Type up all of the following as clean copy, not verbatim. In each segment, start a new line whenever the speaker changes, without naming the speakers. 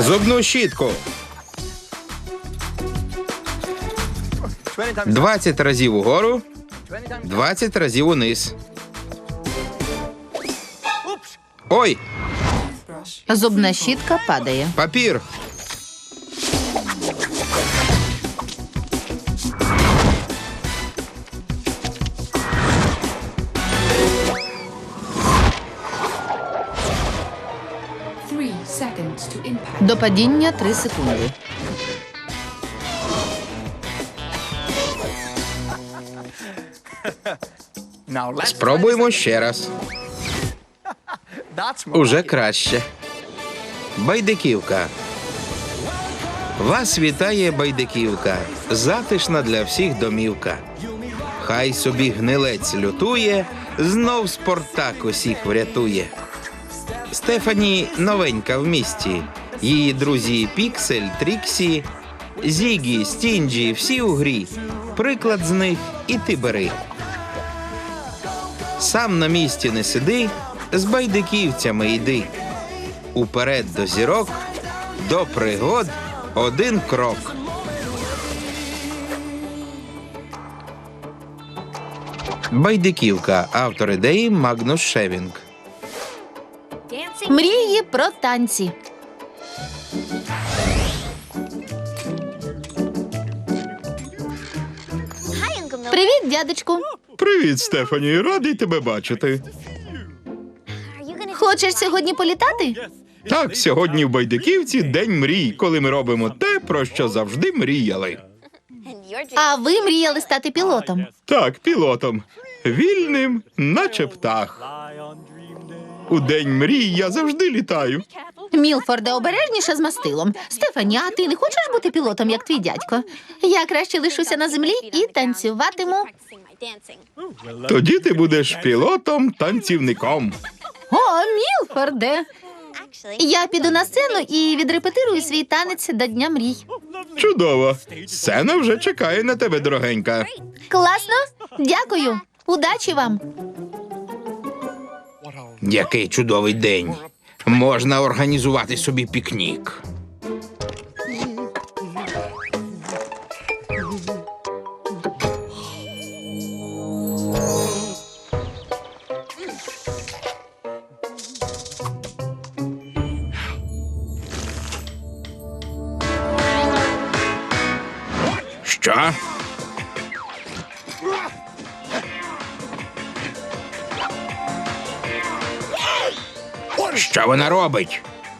Зубну щітку. 20 разів угору, 20 разів униз. Ой,
Зубна щітка падає.
папір.
До падіння 3 секунди.
Спробуємо ще раз. Уже краще. Байдиківка. Вас вітає Байдиківка. Затишна для всіх домівка. Хай собі гнилець лютує, знов Спартак усіх врятує. Стефані новенька в місті. Її друзі Піксель, Тріксі, Зігі, Стінджі, всі у грі. Приклад з них і ти бери. Сам на місці не сиди, з байдиківцями йди. Уперед до зірок, до пригод один крок. Байдиківка. Автор ідеї Магнус Шевінг.
Мрії про танці. Привіт, дядечку.
Привіт, Стефані. Радий тебе бачити.
Хочеш сьогодні політати?
Так, сьогодні в Байдиківці день мрій, коли ми робимо те, про що завжди мріяли.
А ви мріяли стати пілотом?
Так, пілотом. Вільним, наче птах. У день мрій я завжди літаю.
Мілфорде, обережніше з мастилом. Стефані, а ти не хочеш бути пілотом, як твій дядько? Я краще лишуся на землі і танцюватиму.
Тоді ти будеш пілотом-танцівником.
О, Мілфорде! Я піду на сцену і відрепетирую свій танець до Дня мрій.
Чудово. Сцена вже чекає на тебе, дорогенька.
Класно? Дякую. Удачі вам.
Який чудовий день. Можна організувати собі пікнік. Що? Що вона робить?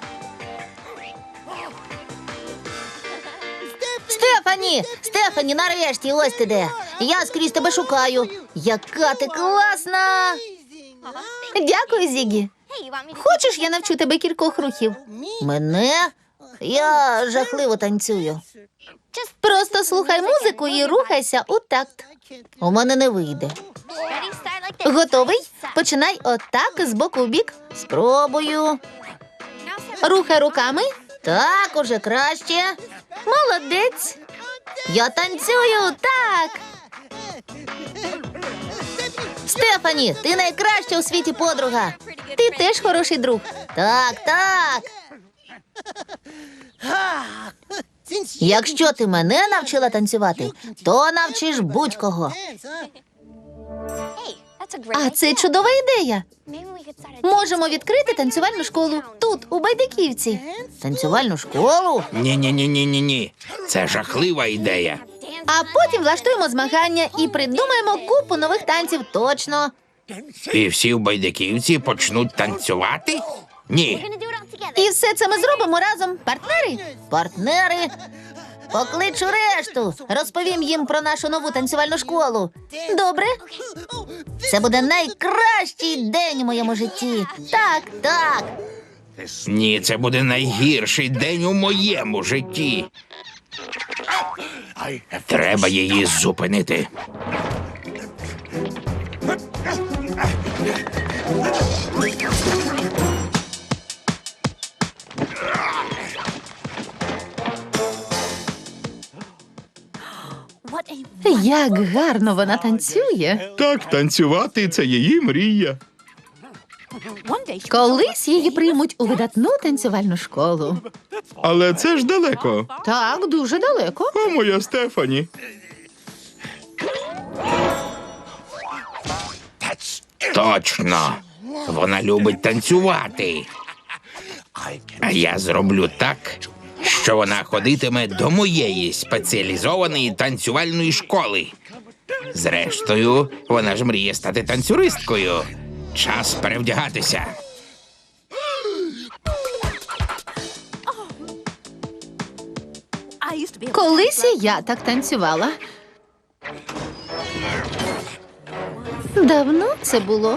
Стефані, нарешті, ось ти де. Я скрізь тебе шукаю. Яка ти класна! Дякую, Зігі. Хочеш, я навчу тебе кількох рухів? Мене? Я жахливо танцюю. Просто слухай музику і рухайся у такт. У мене не вийде. Готовий? Починай отак, з боку в бік. Спробую. Рухай руками. Так, уже краще. Молодець. Я танцюю, так. Стефані, ти найкраща у світі подруга. Ти теж хороший друг. Так, так. Якщо ти мене навчила танцювати, то навчиш будь-кого. А це чудова ідея. Можемо відкрити танцювальну школу тут, у Байдиківці. Танцювальну школу?
Ні. Це жахлива ідея.
А потім влаштуємо змагання і придумаємо купу нових танців, точно.
І всі в Байдиківці почнуть танцювати? Ні.
І все це ми зробимо разом. Партнери? Партнери. Покличу решту. Розповім їм про нашу нову танцювальну школу. Добре? Це буде найкращий день у моєму житті. Так, так.
Ні, це буде найгірший день у моєму житті. Треба її зупинити.
Як гарно вона танцює.
Так, танцювати – це її мрія.
Колись її приймуть у видатну танцювальну школу.
Але це ж далеко.
Так, дуже далеко.
О, моя Стефані. Точно. Вона любить танцювати. А я зроблю так, що вона ходитиме до моєї спеціалізованої танцювальної школи. Зрештою, вона ж мріє стати танцюристкою. Час перевдягатися.
Колись і я так танцювала. Давно це було.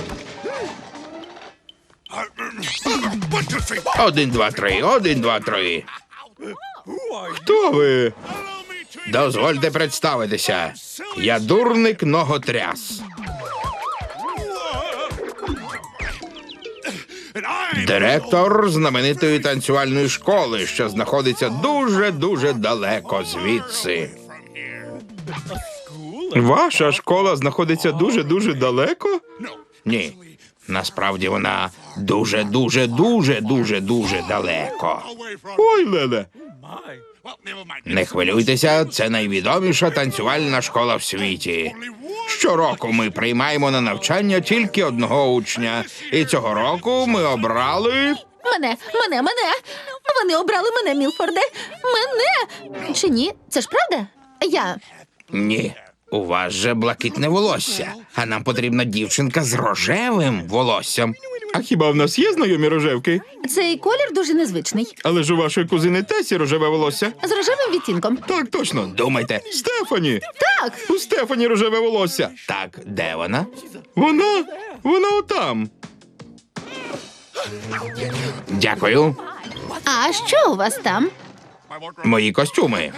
1, 2, 3, 1, 2, 3. Хто ви? Дозвольте представитися. Я дурник ноготряс. Директор знаменитої танцювальної школи, що знаходиться дуже-дуже далеко звідси. Ваша школа знаходиться дуже-дуже далеко? Ні. Насправді вона дуже-дуже-дуже-дуже-дуже далеко. Ой, Леле. Не хвилюйтеся, це найвідоміша танцювальна школа в світі. Щороку ми приймаємо на навчання тільки одного учня. І цього року ми обрали...
Мене! Вони обрали мене, Мілфорде! Мене! Чи ні? Це ж правда?
Ні, у вас же блакитне волосся, а нам потрібна дівчинка з рожевим волоссям. А хіба в нас є знайомі рожевки?
Цей колір дуже незвичний.
Але ж у вашої кузини Тесі рожеве волосся.
З рожевим відтінком.
Так, точно. Думайте. Стефані!
Так!
У Стефані рожеве волосся. Так, де вона? Вона отам. Дякую.
А що у вас там?
Мої костюми.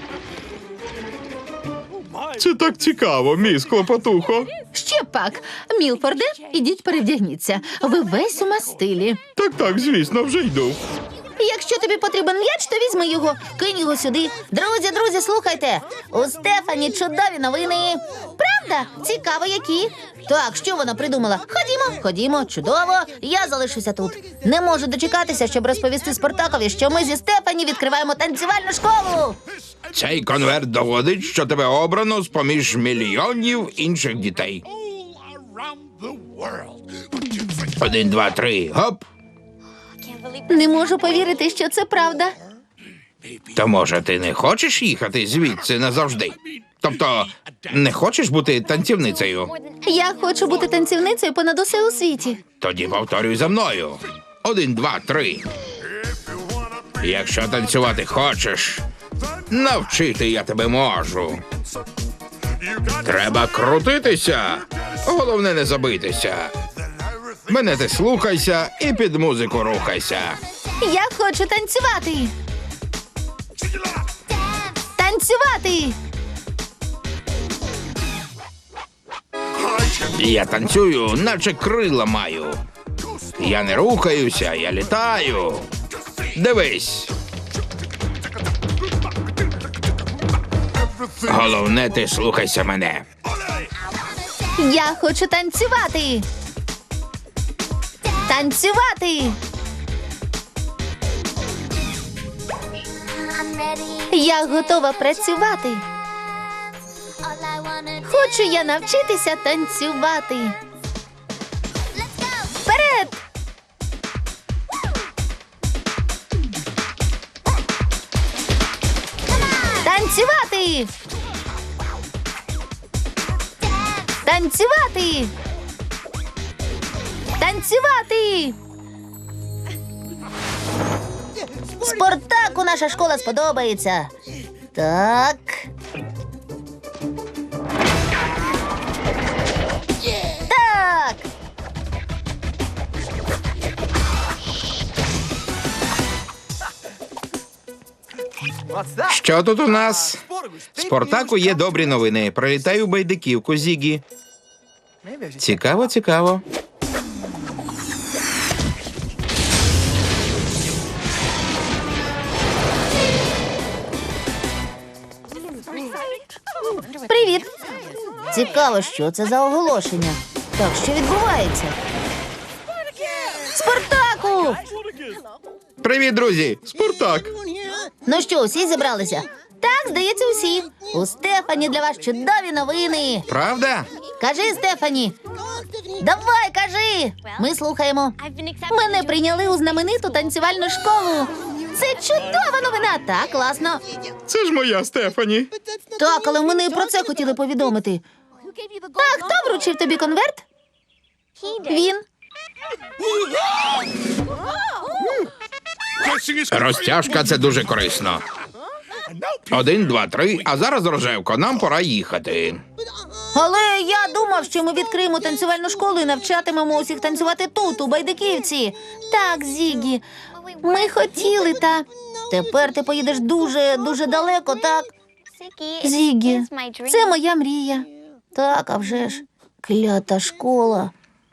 Це так цікаво, міс Клопотухо.
Ще пак. Мілфорде, ідіть перевдягніться. Ви весь у мастилі.
Так, звісно, вже йду.
Якщо тобі потрібен м'яч, то візьми його, кинь його сюди. Друзі, слухайте. У Стефані чудові новини. Правда? Цікаво, які. Так, що вона придумала? Ходімо, чудово. Я залишуся тут. Не можу дочекатися, щоб розповісти Спартакові, що ми зі Стефані відкриваємо танцювальну школу.
Цей конверт доводить, що тебе обрано з-поміж мільйонів інших дітей. 1, 2, 3, гоп.
Не можу повірити, що це правда.
То, може, ти не хочеш їхати звідси назавжди? Тобто, не хочеш бути танцівницею?
Я хочу бути танцівницею понад усе у світі.
Тоді повторюй за мною. 1, 2, 3. Якщо танцювати хочеш, навчити я тебе можу. Треба крутитися. Головне не забитися. Мене ти слухайся і під музику рухайся.
Я хочу танцювати. Танцювати!
Я танцюю, наче крила маю. Я не рухаюся, я літаю. Дивись. Головне, ти слухайся мене.
Я хочу танцювати. Танцювати! Я готова працювати. Хочу я навчитися танцювати. Вперед! Танцювати! Танцювати! Танцювати! Спартаку наша школа сподобається. Так. Так.
Що тут у нас? Спартаку є добрі новини. Прилітаю в Байдиківку, Зігі. Цікаво.
Привіт. Цікаво, що це за оголошення. Так, що відбувається? Спартаку!
Привіт, друзі! Спартак!
Ну що, усі зібралися? Так, здається, усі. У Стефані для вас чудові новини.
Правда?
Кажи, Стефані. Давай, кажи. Ми слухаємо. Мене прийняли у знамениту танцювальну школу. Це чудова новина. Так, класно.
Це ж моя Стефані.
Так, але мене і про це хотіли повідомити. А хто вручив тобі конверт? Він.
Розтяжка – це дуже корисно. 1, 2, 3, а зараз, Рожевко, нам пора їхати.
Але я думав, що ми відкриємо танцювальну школу і навчатимемо усіх танцювати тут, у Байдиківці. Так, Зігі, ми хотіли, та тепер ти поїдеш дуже далеко, так? Зігі, це моя мрія. Так, а вже ж, клята школа.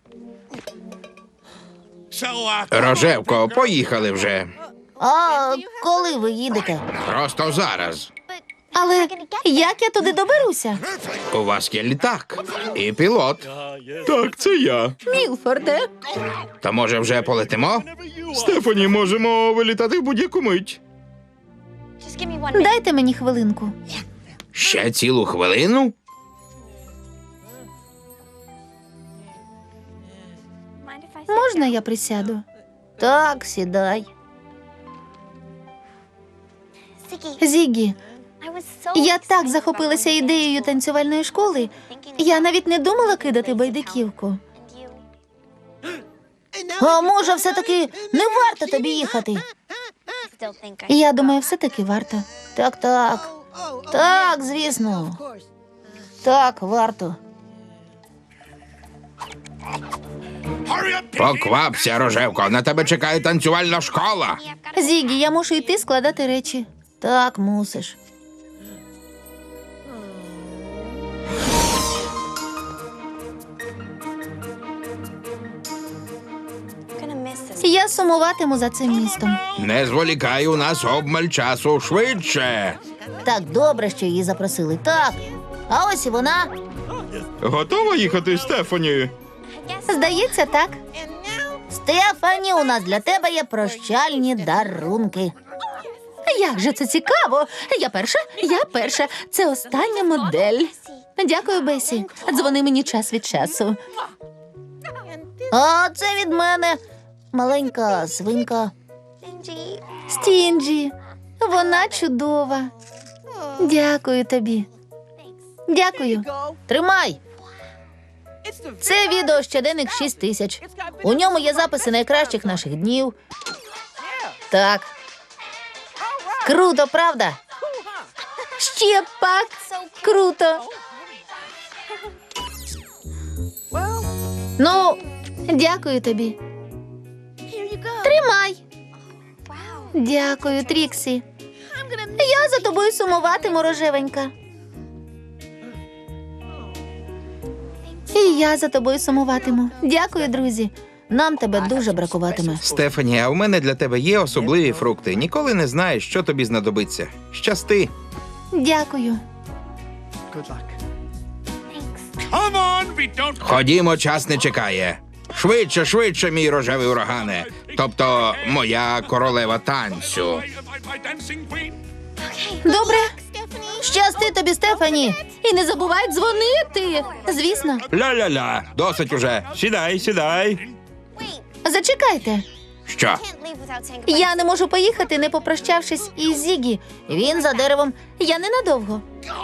Рожевко, поїхали вже.
А коли ви їдете?
Просто зараз.
Але як я туди доберуся?
У вас є літак і пілот. Так, це я.
Мілфорде.
То може вже полетимо? Стефані, можемо вилітати в будь-яку мить.
Дайте мені хвилинку.
Ще цілу хвилину?
Можна я присяду? Так, сідай. Зігі, я так захопилася ідеєю танцювальної школи, я навіть не думала кидати байдиківку. А може, все-таки не варто тобі їхати? Я думаю, все-таки варто. Так. Так, звісно. Так, варто.
Поквапся, Рожевко, на тебе чекає танцювальна школа.
Зігі, я мушу йти складати речі. Так, мусиш. Я сумуватиму за цим містом.
Не зволікай, у нас обмаль часу, швидше.
Так добре, що її запросили. Так. А ось і вона.
Готова їхати, Стефані?
Здається, так. Стефані, у нас для тебе є прощальні дарунки. Як же це цікаво! Я перша. Це остання модель. Дякую, Бесі. Дзвони мені час від часу. А це від мене. Маленька свинка. Стінджі. Вона чудова. Дякую тобі. Дякую. Тримай. Це відео щоденник 6000. У ньому є записи найкращих наших днів. Так. Круто, правда? Ще пак. Круто. Ну, дякую тобі. Тримай. Дякую, Тріксі. Я за тобою сумуватиму, рожевенька. І я за тобою сумуватиму. Дякую, друзі. Нам тебе дуже бракуватиме.
Стефані, а у мене для тебе є особливі фрукти. Ніколи не знаєш, що тобі знадобиться. Щасти.
Дякую.
Ходімо, час не чекає. Швидше, мій рожевий урагане. Тобто, моя королева танцю.
Добре. Щасти тобі, Стефані. І не забувай дзвонити. Звісно.
Ля-ля-ля, досить уже. Сідай.
Зачекайте.
Що?
Я не можу поїхати, не попрощавшись із Зігі. Він за деревом. Я ненадовго.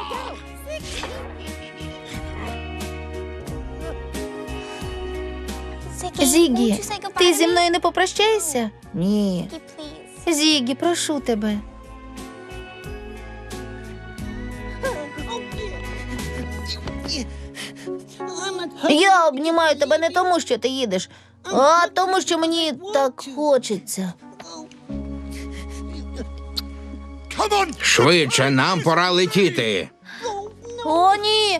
Зігі, ти зі мною не попрощаєшся? Ні. Зігі, прошу тебе. Я обнімаю тебе не тому, що ти їдеш, а тому, що мені так хочеться.
Швидше, нам пора летіти.
О, ні!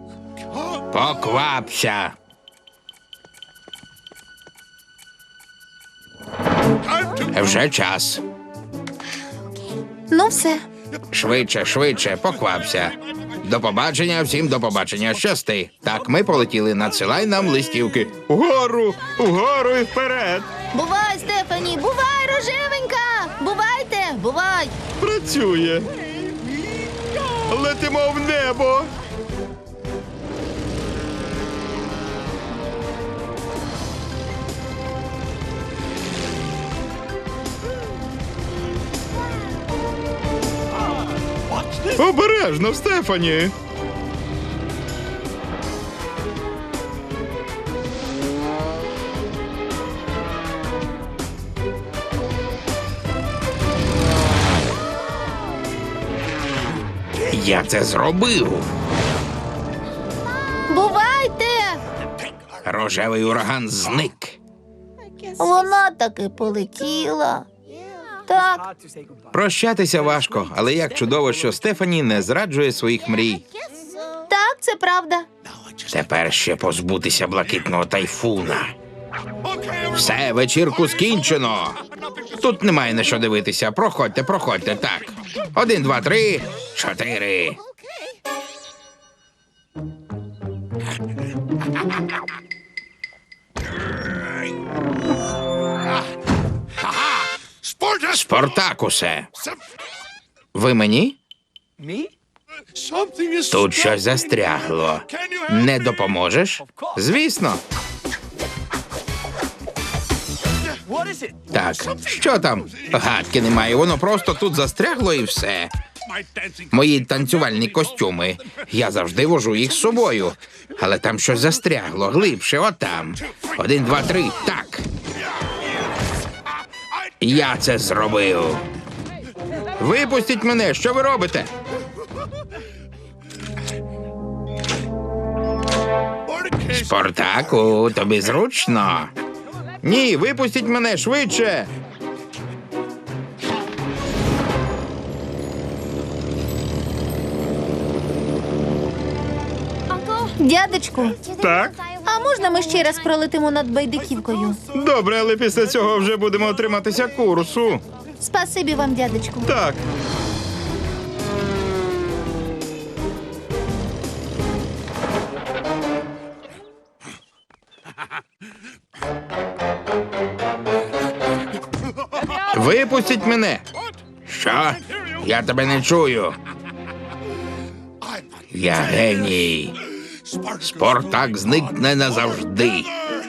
Поквапся. Вже час.
Ну все.
Швидше, поквапся. До побачення, всім до побачення. Щасти. Так, ми полетіли. Надсилай нам листівки. Угору і вперед.
Бувай, Стефані, бувай, рожевенька! Бувайте, бувай!
Працює. Летимо в небо. Обережно, Стефані. Я це зробив.
Бувайте!
Рожевий ураган зник.
Вона таки полетіла. Так,
Прощатися важко, але як чудово, що Стефані не зраджує своїх мрій.
так, це правда.
Тепер ще позбутися блакитного тайфуна. Все, вечірку скінчено. Тут немає на що дивитися. Проходьте, проходьте, так. 1, 2, 3, 4. Спартакусе. Ви мені? Тут щось застрягло. Не допоможеш? Звісно. Так, що там? Гадки немає, воно просто тут застрягло і все. Мої танцювальні костюми. Я завжди вожу їх з собою. Але там щось застрягло, глибше, отам. 1, 2, 3, так. Я це зробив. Випустіть мене, що ви робите? Спартаку, тобі зручно? Ні, випустіть мене швидше.
Дядечку,
Так?
а можна ми ще раз пролетимо над Байдиківкою?
Добре, але після цього вже будемо отриматися курсу.
Спасибі вам, дядечку.
Так. Випустіть мене. Що? Я тебе не чую. Я геній. Спартак зникне назавжди.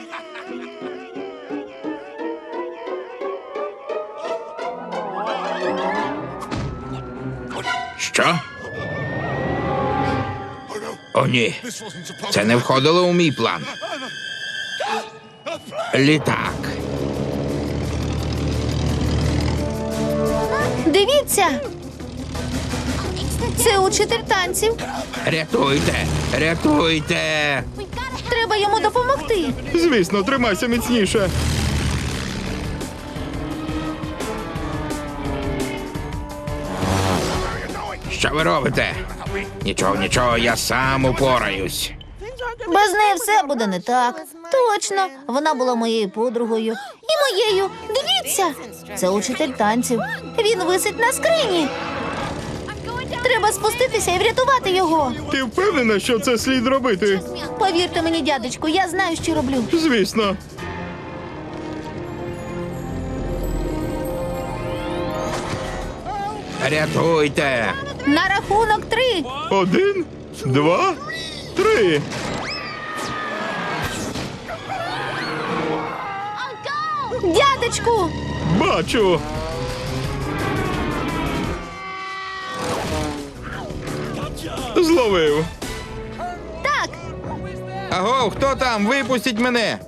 Що? О, ні. Це не входило у мій план. Літак.
Дивіться! Це учитель танців.
Рятуйте! Рятуйте!
Треба йому допомогти.
Звісно, тримайся міцніше. Що ви робите? Нічого, нічого, я сам упораюсь.
Без неї все буде не так. Точно, вона була моєю подругою. І моєю. Дивіться! Це учитель танців. Він висить на скрині. Треба спуститися і врятувати його.
Ти впевнена, що це слід робити?
Повірте мені, дядечку, я знаю, що роблю.
Звісно. Рятуйте!
На рахунок 3.
1, 2, 3.
Дядечку!
Бачу. Зловив.
Так,
Аго, хто там? Випустіть мене.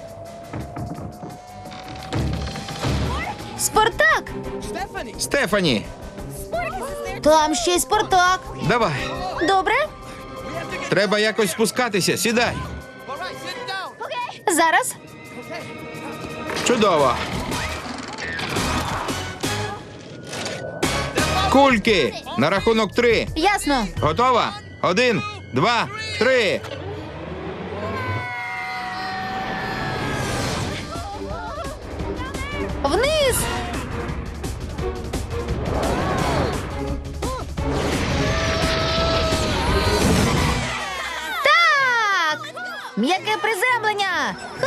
Спартак!
Стефані,
Там ще й Спартак.
давай.
Добре?
Треба якось спускатися. Сідай.
Зараз.
Чудово. Кульки. На рахунок 3.
Ясно.
Готова? 1, 2, 3.
Вниз!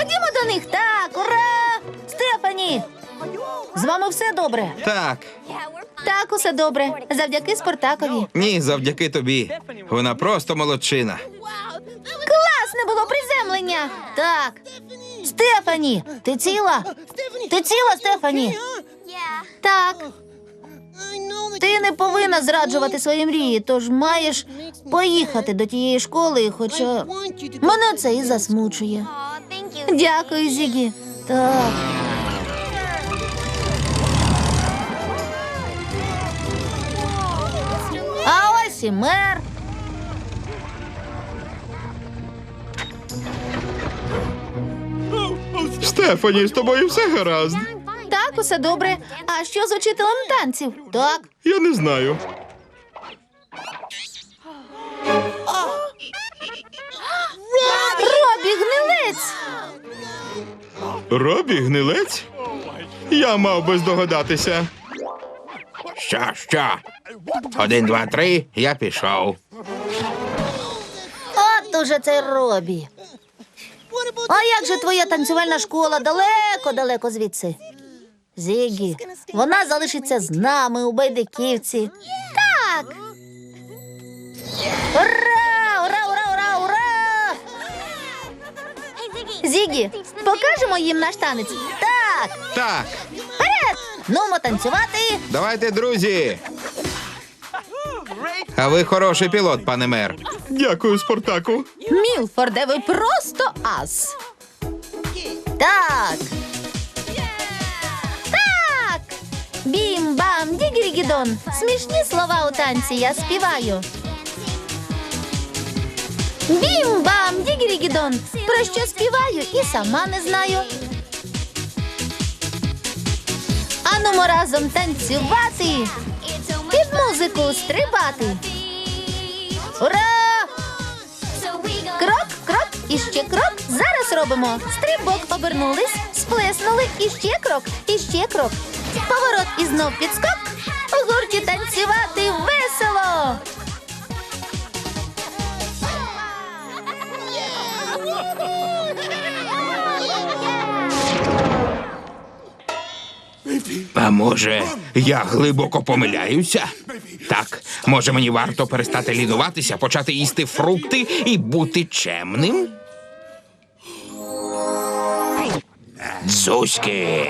Ходімо до них. Так, ура! Стефані! З вами все добре?
Так,
Так, усе добре. Завдяки Спартакові.
ні, завдяки тобі. Вона просто молодчина.
Класне було приземлення. Так. Стефані, ти ціла? Ти ціла, Стефані? Так. Ти не повинна зраджувати свої мрії, тож маєш поїхати до тієї школи, хоча мене це і засмучує. Дякую, Зігі. Так. А ось і мер.
Стефані, з тобою все гаразд.
Так, усе добре. А що з учителем танців? Так.
Я не знаю.
Робі гнилець.
Робі гнилець? Я мав би здогадатися. Що? 1, 2, 3, я пішов.
От уже цей Робі. А як же твоя танцювальна школа далеко звідси? Зігі, вона залишиться з нами у Байдиківці. Так! Ура! Ура, ура, ура, ура! Зігі, покажемо їм наш танець? Так!
Так,
Вперед! Нумо танцювати!
давайте, друзі. А ви хороший пілот, пане мер. Дякую, Спартаку.
Мілфорде, ви просто ас. Так. Так. Бім-бам, дігірігідон. Смішні слова у танці я співаю. Бім-бам, дігірігідон. Про що співаю і сама не знаю. Анумо разом танцювати. Під музику стрибати. Ура! Крок, крок, і ще крок. Зараз робимо. Стрибок, обернулись, сплеснули, і ще крок, і ще крок. Поворот і знов підскок. У гурті танцювати весело.
А може, я глибоко помиляюся? Так, може мені варто перестати лінуватися, почати їсти фрукти і бути чемним? Зузьки!